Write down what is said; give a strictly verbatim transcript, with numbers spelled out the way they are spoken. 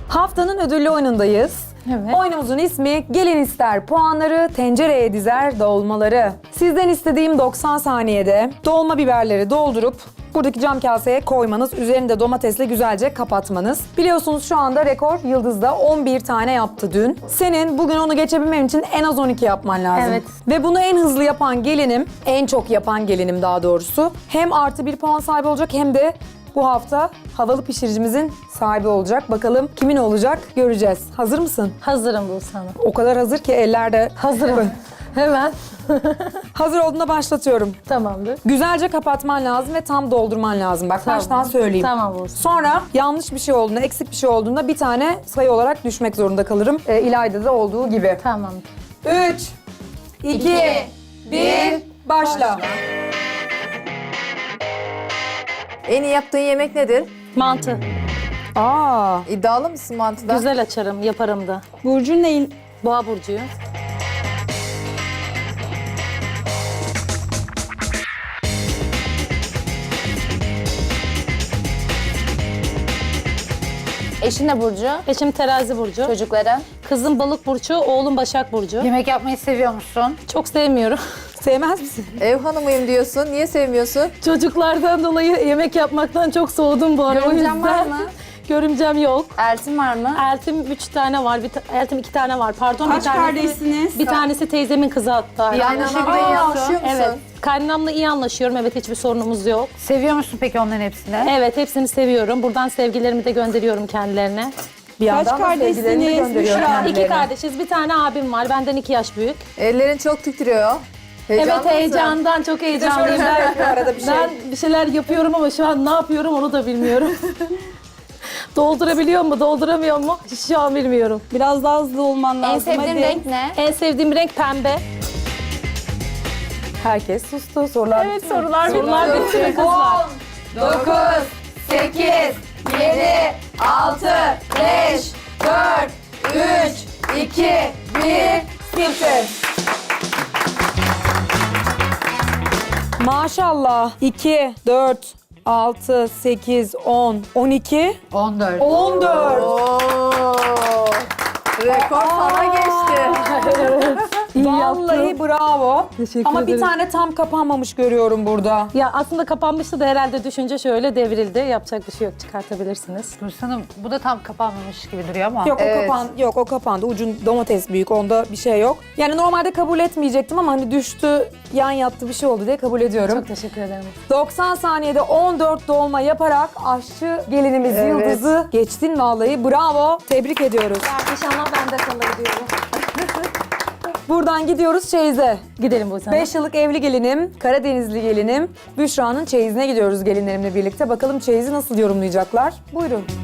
Haftanın ödüllü oyunundayız. Evet. Oyunumuzun ismi Gelin ister puanları, tencereye dizer dolmaları. Sizden istediğim doksan saniyede dolma biberleri doldurup buradaki cam kaseye koymanız, üzerini de domatesle güzelce kapatmanız. Biliyorsunuz şu anda rekor Yıldız'da on bir tane yaptı dün. Senin bugün onu geçebilmem için en az on iki yapman lazım. Evet. Ve bunu en hızlı yapan gelinim, en çok yapan gelinim daha doğrusu. Hem artı bir puan sahibi olacak hem de bu hafta havalı pişiricimizin sahibi olacak. Bakalım kimin olacak göreceğiz. Hazır mısın? Hazırım Buse Hanım. O kadar hazır ki ellerde. Hazırım. Hemen. Hazır olduğunda başlatıyorum. Tamamdır. Güzelce kapatman lazım ve tam doldurman lazım. Bak Tamam. baştan söyleyeyim. Tamam Buse. Sonra yanlış bir şey olduğunda, eksik bir şey olduğunda bir tane sayı olarak düşmek zorunda kalırım. E, İlayda'da da olduğu gibi. Tamam. üç, iki, bir, başla. En iyi yaptığın yemek nedir? Mantı. Aa, İddialı mısın mantıda? Güzel açarım, yaparım da. Burcun neyin? Boğa burcuyum. Eşin ne burcu? Eşim terazi burcu. Çocukları? Kızım balık burcu, oğlum başak burcu. Yemek yapmayı seviyor musun? Çok sevmiyorum. sevmez misin? Ev hanımıyım diyorsun. Niye sevmiyorsun? Çocuklardan dolayı yemek yapmaktan çok soğudum bu ara. O Görümcen yüzden- var mı? Görümcem yok. Eltin var mı? Eltim üç tane var, bir ta- eltim iki tane var. Pardon, Kaç bir tanesi, kardeşsiniz? Bir tanesi teyzemin kızı hatta. Yani şekilde iyi anlaşıyor musun? Evet. Kaynanamla iyi anlaşıyorum. Evet, hiçbir sorunumuz yok. Seviyor musun peki onların hepsini? Evet, hepsini seviyorum. Buradan sevgilerimi de gönderiyorum kendilerine. Bir yandan da sevgilerini de kardeşsiniz? gönderiyor Büşra? kendilerine. İki kardeşiz. Bir tane abim var. Benden iki yaş büyük. Ellerin çok titriyor. Heyecanlı Evet, mısın? heyecandan çok heyecanlıyım. şöyle Ben, yapıyor arada bir şey. ben bir şeyler yapıyorum ama şu an ne yapıyorum onu da bilmiyorum. Doldurabiliyor mu, dolduramıyor mu? Şu an bilmiyorum. Biraz daha hızlı olman lazım. En sevdiğin hadi. renk ne? En sevdiğim renk pembe. Herkes sustu. Sorular Evet, sorular sorular bitti mi kızlar? dokuz, sekiz, yedi, altı, beş, dört, üç, iki, bir, sıfır. Maşallah. iki, dört, altı, sekiz, on, on iki, on dört. on dört. Oo. Rekor sana geçti. Vallahi bravo. Teşekkür Ama bir ederim. tane tam kapanmamış görüyorum burada. Ya aslında kapanmıştı da herhalde düşünce şöyle devrildi. Yapacak bir şey yok, çıkartabilirsiniz. Hanım bu da tam kapanmamış gibi duruyor ama. Yok Evet. o kapan yok o kapandı. Ucun domates büyük. Onda bir şey yok. Yani normalde kabul etmeyecektim ama hani düştü, yan yattı bir şey oldu diye kabul ediyorum. Çok teşekkür ederim. doksan saniyede on dört dolma yaparak aşçı gelinimiz Evet. Yıldız'ı geçtin vallahi. Bravo. Tebrik ediyoruz. İnşallah bende kalır diyorum. Buradan gidiyoruz çeyize. Gidelim bu sene. beş yıllık evli gelinim, Karadenizli gelinim. Büşra'nın çeyizine gidiyoruz gelinlerimle birlikte. Bakalım çeyizi nasıl yorumlayacaklar? Buyurun.